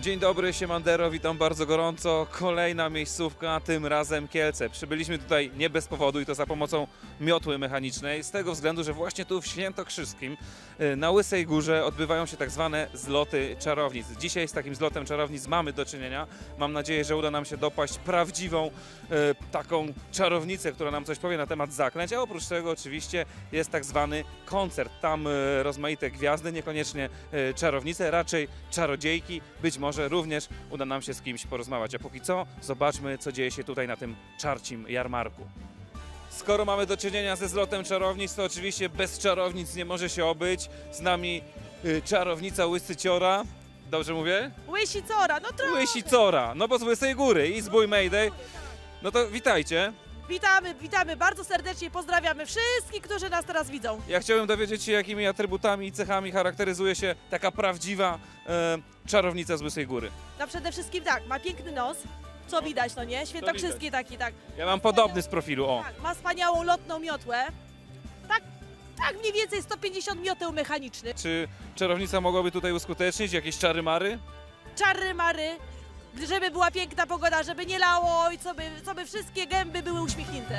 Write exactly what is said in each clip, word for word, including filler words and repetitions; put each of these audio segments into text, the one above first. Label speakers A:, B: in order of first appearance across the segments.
A: Dzień dobry, siemandero, witam bardzo gorąco. Kolejna miejscówka, tym razem Kielce. Przybyliśmy tutaj nie bez powodu i to za pomocą miotły mechanicznej, z tego względu, że właśnie tu w Świętokrzyskim y, na Łysej Górze odbywają się tak zwane zloty czarownic. Dzisiaj z takim zlotem czarownic mamy do czynienia. Mam nadzieję, że uda nam się dopaść prawdziwą y, taką czarownicę, która nam coś powie na temat zaklęć, a oprócz tego oczywiście jest tak zwany koncert. Tam y, rozmaite gwiazdy, niekoniecznie y, czarownice, raczej czarodziejki, być może również uda nam się z kimś porozmawiać. A póki co zobaczmy, co dzieje się tutaj na tym czarcim jarmarku. Skoro mamy do czynienia ze zlotem czarownic, to oczywiście bez czarownic nie może się obyć. Z nami y, czarownica Łysyciora. Dobrze mówię?
B: Łysicora, no trochę.
A: Łysicora, no bo z Łysej Góry i z Bój Mayday. No to witajcie.
B: Witamy, witamy bardzo serdecznie, pozdrawiamy wszystkich, którzy nas teraz widzą.
A: Ja chciałem dowiedzieć się, jakimi atrybutami i cechami charakteryzuje się taka prawdziwa e, czarownica z Łysej Góry.
B: No przede wszystkim tak, ma piękny nos, co widać, no nie? Świętokrzyski taki, tak.
A: Ja mam podobny z profilu, o.
B: Tak, ma wspaniałą lotną miotłę. Tak, tak mniej więcej sto pięćdziesiąt mioteł mechanicznych.
A: Czy czarownica mogłaby tutaj uskutecznić jakieś czary-mary?
B: Czarry mary, żeby była piękna pogoda, żeby nie lało i co by, co by wszystkie gęby były uśmiechnięte.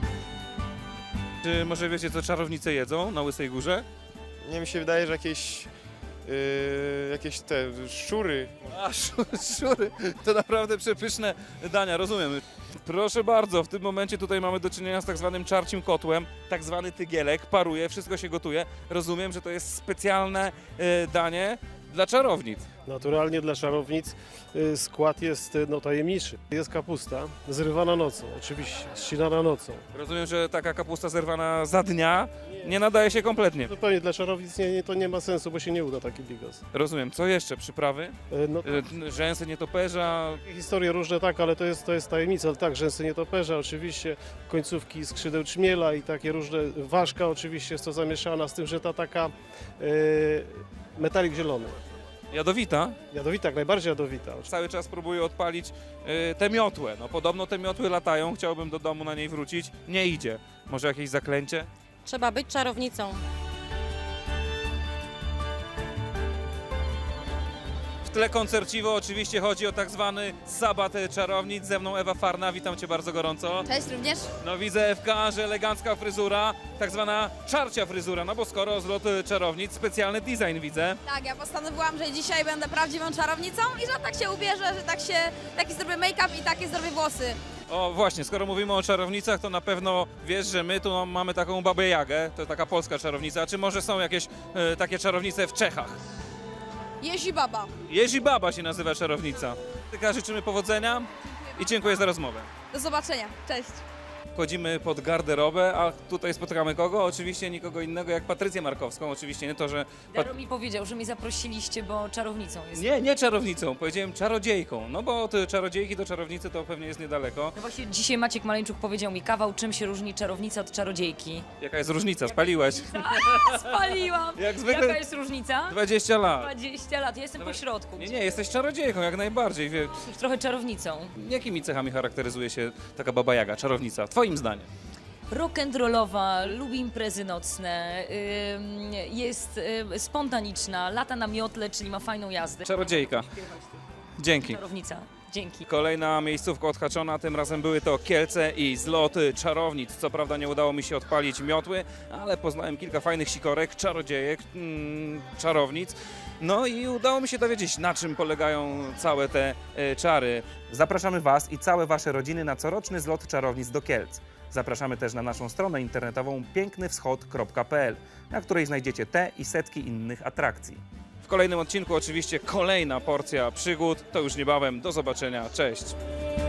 A: Czy może wiecie, co czarownice jedzą na Łysej Górze?
C: Nie, mi się wydaje, że jakieś, yy, jakieś te szczury.
A: A, szu- szury, to naprawdę przepyszne dania, rozumiem. Proszę bardzo, w tym momencie tutaj mamy do czynienia z tak zwanym czarcim kotłem, tak zwany tygielek, paruje, wszystko się gotuje. Rozumiem, że to jest specjalne e, danie dla czarownic.
D: Naturalnie dla czarownic y, skład jest y, no, tajemniczy. Jest kapusta zrywana nocą, oczywiście, ścinana nocą.
A: Rozumiem, że taka kapusta zerwana za dnia nie nadaje się kompletnie.
D: Zupełnie dla czarownic nie, nie, to nie ma sensu, bo się nie uda taki bigos.
A: Rozumiem, co jeszcze? Przyprawy?
D: Y, No,
A: E, rzęsy nietoperza,
D: historie różne tak, ale to jest, to jest tajemnica. Ale tak, rzęsy nietoperza, oczywiście, końcówki skrzydeł czmiela i takie różne, ważka oczywiście jest to zamieszana, z tym, że ta taka y, metalik zielony.
A: jadowita.
D: Jadowita, jak najbardziej jadowita.
A: Cały czas próbuję odpalić y, tę miotłę. No podobno te miotły latają, chciałbym do domu na niej wrócić. Nie idzie. Może jakieś zaklęcie?
E: Trzeba być czarownicą.
A: W tle koncerciwo oczywiście chodzi o tak zwany sabat czarownic. Ze mną Ewa Farna, witam Cię bardzo gorąco.
E: Cześć również.
A: No widzę Ewka, że elegancka fryzura, tak zwana czarcia fryzura, no bo skoro zlot czarownic, specjalny design widzę.
F: Tak, ja postanowiłam, że dzisiaj będę prawdziwą czarownicą i że tak się ubierzę, że tak się, taki zrobię make-up i takie zrobię włosy.
A: O właśnie, skoro mówimy o czarownicach, to na pewno wiesz, że my tu mamy taką babę Jagę, to taka polska czarownica, a czy może są jakieś e, takie czarownice w Czechach?
F: Jezi baba.
A: Jezi Baba się nazywa czarownica. Tylko życzymy powodzenia i dziękuję za rozmowę.
F: Do zobaczenia. Cześć.
A: Wchodzimy pod garderobę, a tutaj spotykamy kogo? Oczywiście nikogo innego jak Patrycję Markowską. Oczywiście nie to, że...
G: Daro mi powiedział, że mnie zaprosiliście, bo czarownicą jest.
A: Nie, nie czarownicą, powiedziałem czarodziejką. No bo od czarowdziejki do czarownicy to pewnie jest niedaleko.
G: No właśnie dzisiaj Maciek Maleńczuk powiedział mi kawał, czym się różni czarownica od czarodziejki.
A: Jaka jest różnica? Spaliłeś.
G: Spaliłam!
A: Jak zwykle
G: Jaka jest różnica?
A: dwadzieścia lat.
G: dwadzieścia lat, ja jestem
A: Dobra.
G: po środku.
A: Nie, nie, jesteś czarodziejką, jak najbardziej. Wie,
G: Trochę czarownicą.
A: jakimi cechami charakteryzuje się taka baba Jaga, czarownica? Twoim zdaniem.
G: Rock'n'rollowa, lubi imprezy nocne, ym, jest ym, spontaniczna, lata na miotle, czyli ma fajną jazdę.
A: Czarodziejka. Dzięki.
G: Czarownica. Dzięki.
A: Kolejna miejscówka odhaczona, tym razem były to Kielce i zlot czarownic. Co prawda nie udało mi się odpalić miotły, ale poznałem kilka fajnych sikorek, czarodziejek, mm, czarownic. No i udało mi się dowiedzieć, na czym polegają całe te e, czary. Zapraszamy Was i całe Wasze rodziny na coroczny zlot czarownic do Kielc. Zapraszamy też na naszą stronę internetową piękny wschod kropka p l, na której znajdziecie te i setki innych atrakcji. W kolejnym odcinku oczywiście kolejna porcja przygód. To już niebawem. Do zobaczenia. Cześć!